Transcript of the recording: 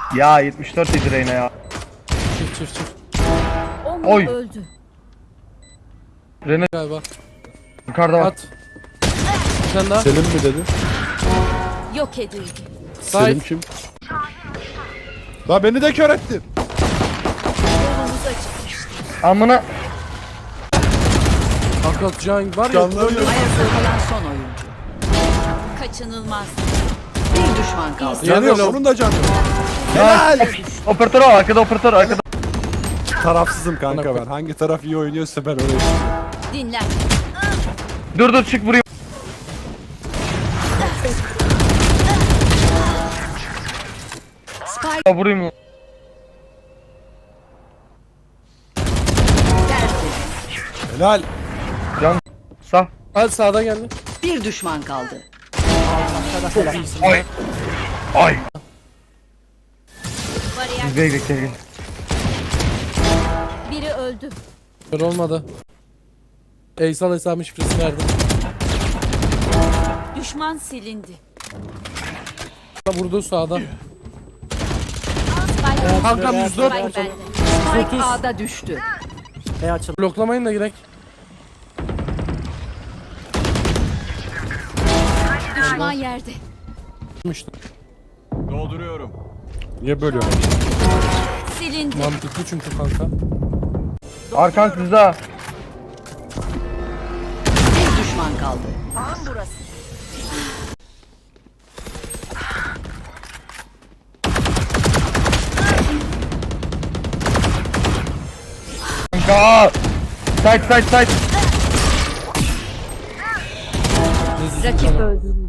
Ya 74 yedi Reyna ya. Çift. Oy. Öldü. Reyna Galiba. yukarıda bak. At. Bir tane daha. Selim mi dedi? Yok edildi. Selim kim? La beni de kör ettin. Yolumuz açık. Amına. Kanka Can var ya. Canlanıyor. Ayakta kalan son oyuncu. Kaçınılmaz. Bir düşman kaldı. Yanıyor, Yanıyor. onun da canı. Helal. Operatör al, arkada operatör arkada. Tarafsızım kanka ben. Hangi taraf iyi oynuyorsa ben öyle yapıyorum. Dinlen. Dur çık vurayım. Spike Ya, vurayım. Helal. Can. Sağ. Hadi sağdan geldi. bir düşman kaldı. Ay. Ay. Bariyer. Gel. Biri öldü. Kör olmadı. Eysal hesabın şifresini verdim. Düşman silindi. Vurdu sağdan. Spike. Kankam 104. Spike bende. Spike A'da düştü. Bloklamayın da girek. Düşman yerde. İşte. Niye bölüyorsun? Silindi. Mantıklı çünkü kanka. Arkan sizde. Bir düşman kaldı. Kanka. Side. Rakip öldürüldü.